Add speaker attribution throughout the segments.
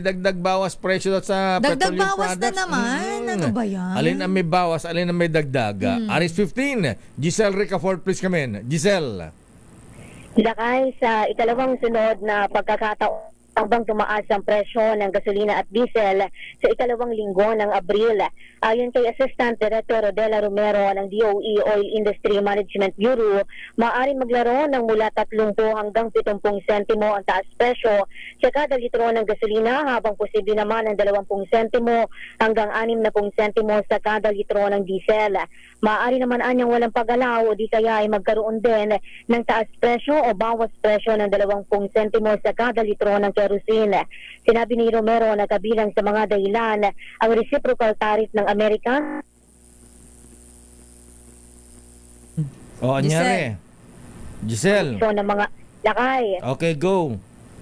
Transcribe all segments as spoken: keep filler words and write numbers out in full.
Speaker 1: dagdag bawas presyo daw sa
Speaker 2: Dagdag
Speaker 1: petroleum
Speaker 2: bawas na
Speaker 1: products.
Speaker 2: naman.
Speaker 1: Mm.
Speaker 2: Ano ba yan?
Speaker 1: Alin ang may bawas, alin ang may dagdag. Mm. Aris fifteen, Giselle Ricafort, please come in. Giselle.
Speaker 3: Lakay sa ikalawang sunod na pagkakataon habang tumaas ang presyo ng gasolina at diesel sa ikalawang linggo ng Abril. Ayon kay Assistant Director Rodela Romero ng D O E Oil Industry Management Bureau, maaaring maglaro ng mula tatlumpu hanggang pitongpung sentimo ang taas presyo sa kada litro ng gasolina, habang posible naman ng dalawampung sentimo hanggang anim na pung sentimo sa kada litro ng diesel. Maaari naman anyang walang pagalaw o di kaya ay magkaroon din ng taas presyo o bawas presyo ng dalawampung sentimo sa kada litro ng kerosene. Sinabi ni Romero na kabilang sa mga dahilan ang reciprocal tariff ng Amerika.
Speaker 1: O, anyari. Giselle.
Speaker 3: So, ng mga lakay.
Speaker 1: Okay, go.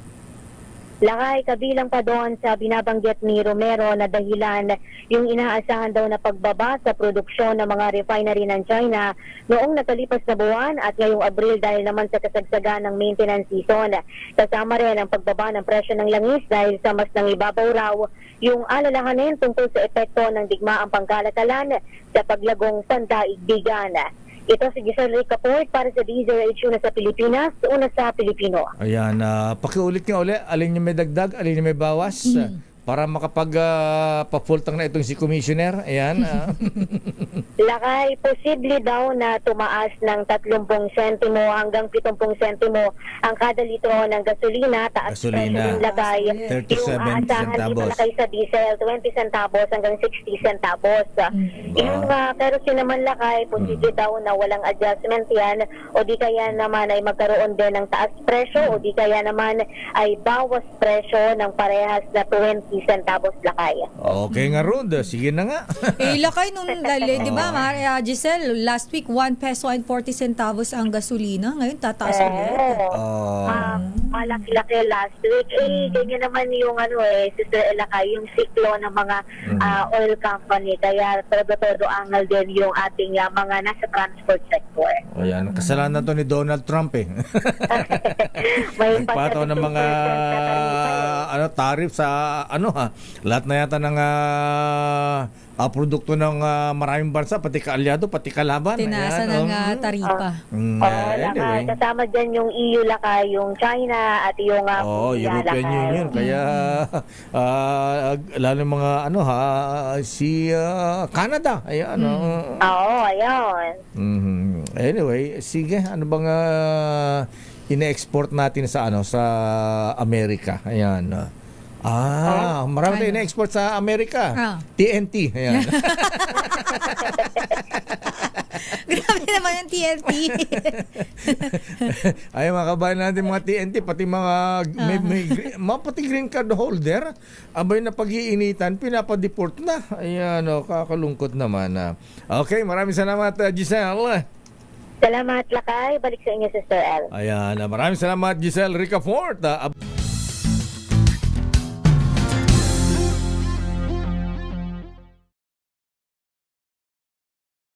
Speaker 3: Lakay, kabilang pa doon sa binabanggit ni Romero na dahilan yung inaasahan daw na pagbaba sa produksyon ng mga refinery ng China noong nakalipas na buwan at ngayong Abril dahil naman sa kasagsagan ng maintenance season. Kasama rin ang pagbaba ng presyo ng langis dahil sa mas nangibabaw raw yung alalahanin tungkol sa epekto ng digmaang pangkalakalan sa paglagong pandaigdigan. Ito si Giselle Ricafort para sa D Z R H una sa Pilipinas, una sa Pilipino.
Speaker 1: Ayan, uh, pakiulit nga uli, alin yung may dagdag, alin yung may bawas, mm. uh, para makapag uh, papultang na itong si Commissioner. Ayan. Uh.
Speaker 3: Lakay, posible daw na tumaas ng tatlumpung sentimo hanggang pitongpung sentimo ang kada litro ng gasolina. Taas
Speaker 1: Gasolina.
Speaker 3: presyo ng lagay.
Speaker 1: thirty-seven
Speaker 3: Yung aasahan
Speaker 1: centavos.
Speaker 3: dito lakay sa diesel, twenty centavos hanggang sixty centavos.
Speaker 2: Mm.
Speaker 3: Yung uh, kerosene naman lakay, posible mm. daw na walang adjustment yan o di kaya naman ay magkaroon din ng taas presyo o di kaya naman ay bawas presyo ng parehas na twenty centavos lakay.
Speaker 1: Okay nga, Rod. Sige na nga.
Speaker 2: Eh, lakay nung, dali, di ba, Maria Giselle, last week, one peso and forty centavos ang gasolina. Ngayon, tataas ulit.
Speaker 1: Oh.
Speaker 3: Ah, malaki-laki last week. Eh, ganyan naman yung ano eh, Sister Elakay, yung siklo ng mga ah, oil company. Kaya todo-todo angal din yung ating ah, mga nasa transport sector.
Speaker 1: Ayan, kasalanan to ni Donald Trump eh.
Speaker 3: May
Speaker 1: Nagpataw ng mga ano tarif sa ano ha. Lahat na yata ng uh, uh, produkto ng uh, maraming bansa, pati kaalyado, pati kalaban.
Speaker 2: Tinasa
Speaker 1: Ayan,
Speaker 2: ng
Speaker 1: oh.
Speaker 2: uh, taripa.
Speaker 1: Mm,
Speaker 3: Oh,
Speaker 1: uh, anyway.
Speaker 3: lakay. Kasama dyan yung E U lakay, yung China at yung uh,
Speaker 1: Oh, European Union. Kaya uh, lalo yung mga ano ha, si uh, Canada. Ayan. Mm. Uh,
Speaker 3: Oo, ayun.
Speaker 1: mm-hmm. Anyway, sige, ano bang uh, ine-export natin sa ano sa Amerika? Ayan. Uh, Ah, marami tayo
Speaker 2: Ano?
Speaker 1: na-export sa Amerika.
Speaker 2: Ah.
Speaker 1: T N T. Ayan.
Speaker 2: Grabe naman yung T N T.
Speaker 1: Ay, mga kabayan natin, mga T N T, pati mga, may, may, mga pati green card holder, abay na pag-iinitan, pinapadeport na. Ayan, oh, kakalungkot naman. Ah. Okay, maraming salamat, uh, Giselle.
Speaker 3: Salamat lakay. Balik sa inyo, Sister El.
Speaker 1: Ayan, uh, maraming salamat, Giselle Ricafort. Uh,